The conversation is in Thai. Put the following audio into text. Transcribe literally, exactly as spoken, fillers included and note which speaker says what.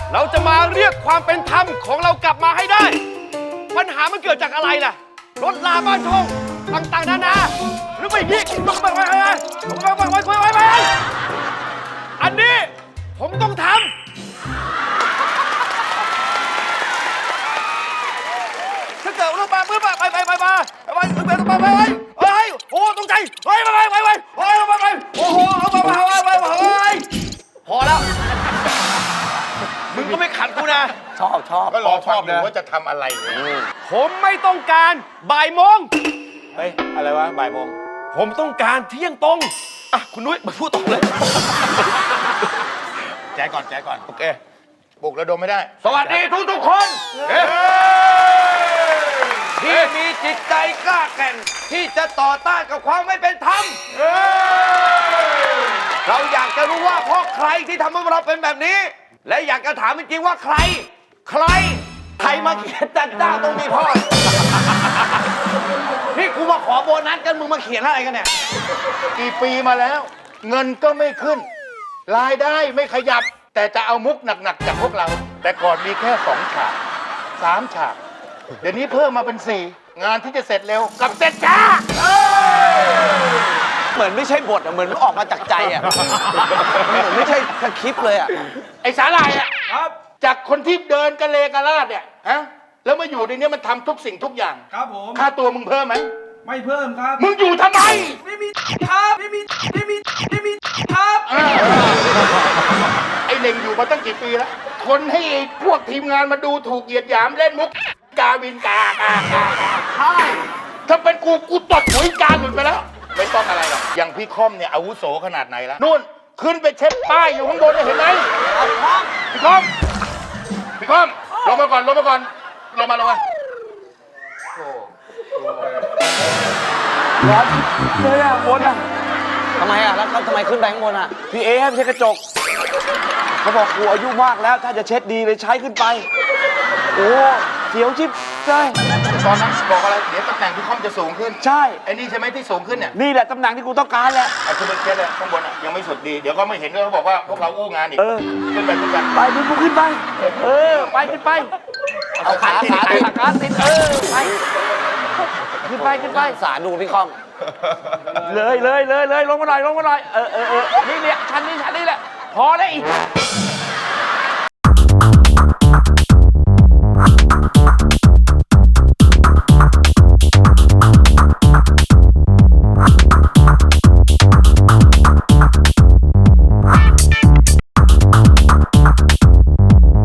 Speaker 1: เราจะมาเรียกความเป็นธรรมของเรากลับมาให้ได้ ปัญหามันเกิดจากอะไรล่ะรถลาบ้านช่องต่างๆนานาหรือไม่ยิ่งไปไปไปไปไปไปไปไปอันนี้ผมต้องทำถ้าเกิดรถมาเมื่อไปไปไปไปไปไปไปไปไปเฮ้ยโอ้ตกใจเฮ้ยไปไปไปไปเฮ้ยไปไปโอ้โหเอาไปไปไปไปพอแล้วมึงก็ไม่ขัดกูนะชอบชอบ
Speaker 2: ก็รอชอบดูว่าจะทำอะไร
Speaker 1: ผมไม่ต้องการบ่ายโมง
Speaker 2: เฮ้ยอะไรวะบ่ายโมง
Speaker 1: ผมต้องการเที่ยงตรงอ่ะคุณนุ้ยมาพูดต่อเลย
Speaker 2: แจก่อนแจก่อน
Speaker 1: โอเค
Speaker 2: ปลุกระดมไม่ได้
Speaker 1: สวัสดีทุกทุกคนที่มีจิตใจกล้าแกร่งที่จะต่อต้านกับความไม่เป็นธรรมเราอยากจะรู้ว่าเพราะใครที่ทำให้เราเป็นแบบนี้และอยากจะถามจริงๆว่าใครใครใครมาเขียนจัดจ้าตรงนี้พ่อนี่กูมาขอโบนัสกันมึงมาเขียนอะไรกันเนี่ย
Speaker 2: กี่ปีมาแล้วเงินก็ไม่ขึ้นรายได้ไม่ขยับแต่จะเอามุกหนักๆจากพวกเราแต่ก่อนมีแค่สองฉากสามฉากเดี๋ยวนี้เพิ่มมาเป็นสี่งานที่จะเสร็จเร็วกับเสร็จจ้า
Speaker 1: เหมือนไม่ใช่บทอ่ะเหมือนออกมาจากใจอ่ะเหมือนไม่ใช่สคริปต์เลยอ่ะ
Speaker 2: ไอ้สาลายอ่ะครับจากคนที่เดินกระเลกระลาดเนี่ยฮะแล้วมาอยู่ในนี้มันทำทุกสิ่งทุกอย่าง
Speaker 3: ครับผม
Speaker 2: ค่าตัวมึงเพิ่มไหม
Speaker 3: ไม่เพิ่มครับ
Speaker 2: มึงอยู่ทำไม
Speaker 3: ไม่มีครับไม่มีไม่มีไม่มีครับ
Speaker 2: ไอ้เน่งอยู่มาตั้งกี่ปีแล้วทนให้พวกทีมงานมาดูถูกเหยียดหยามเล่นมุกกาวินกากากาใช่ถ้าเป็นกูกูตดหัวกาหลุดไปแล้วไม่ต้องอะไรหรอกอย่างพี่ค่อมเนี่ยอาวุโสขนาดไหนแล้วนู่นขึ้นไปเช็ดป้ายอยู่ข้างบนเห็นไหมพี่ค่อมพี่ค่อมลงมาก่อนลงมาก่อนลงมาลงมา
Speaker 1: ร้อนเลยอ่ะบนอ่ะทำไมอ่ะแล้วเขาทำไมขึ้นไปข้างบนอ่ะพี่เอให้ไปเช็ดกระจกเขาบอกกูอายุมากแล้วถ้าจะเช็ดดีเลยใช้ขึ้นไปโอ้เสียวชิบเลย
Speaker 2: ตอนนั้นบอกอะไรเดี๋ยวตำแหน่งพี่ค่อมจะสูงขึ้น
Speaker 1: ใช่
Speaker 2: ไอ้นี่ใช่ไหมที่สูงขึ้นเนี่ย
Speaker 1: นี่แหละตำแหน่งที่กูต้องการแหละ
Speaker 2: ไอ้ขึ้นไปเช็ดเลยข้างบนอ่ะยังไม่สุดดีเดี๋ยวก็ไม่เห็นด้วยเขาบอกว่าพวกเราอู้งานอีกขึ้นไปขึ้นไป
Speaker 1: ไปมึงกูขึ้นไปเออไปขึ้นไปเอาขาขาติดขาติดเออไปขึ้นไปขึ้นไปสาดูพี่คอมเลยเลยเลยเลยลงมาหน่อยลงมาหน่อยเออเออเออนี่เนี่ยชั้นนี้ชั้นนี้แหละพอแล้วอีก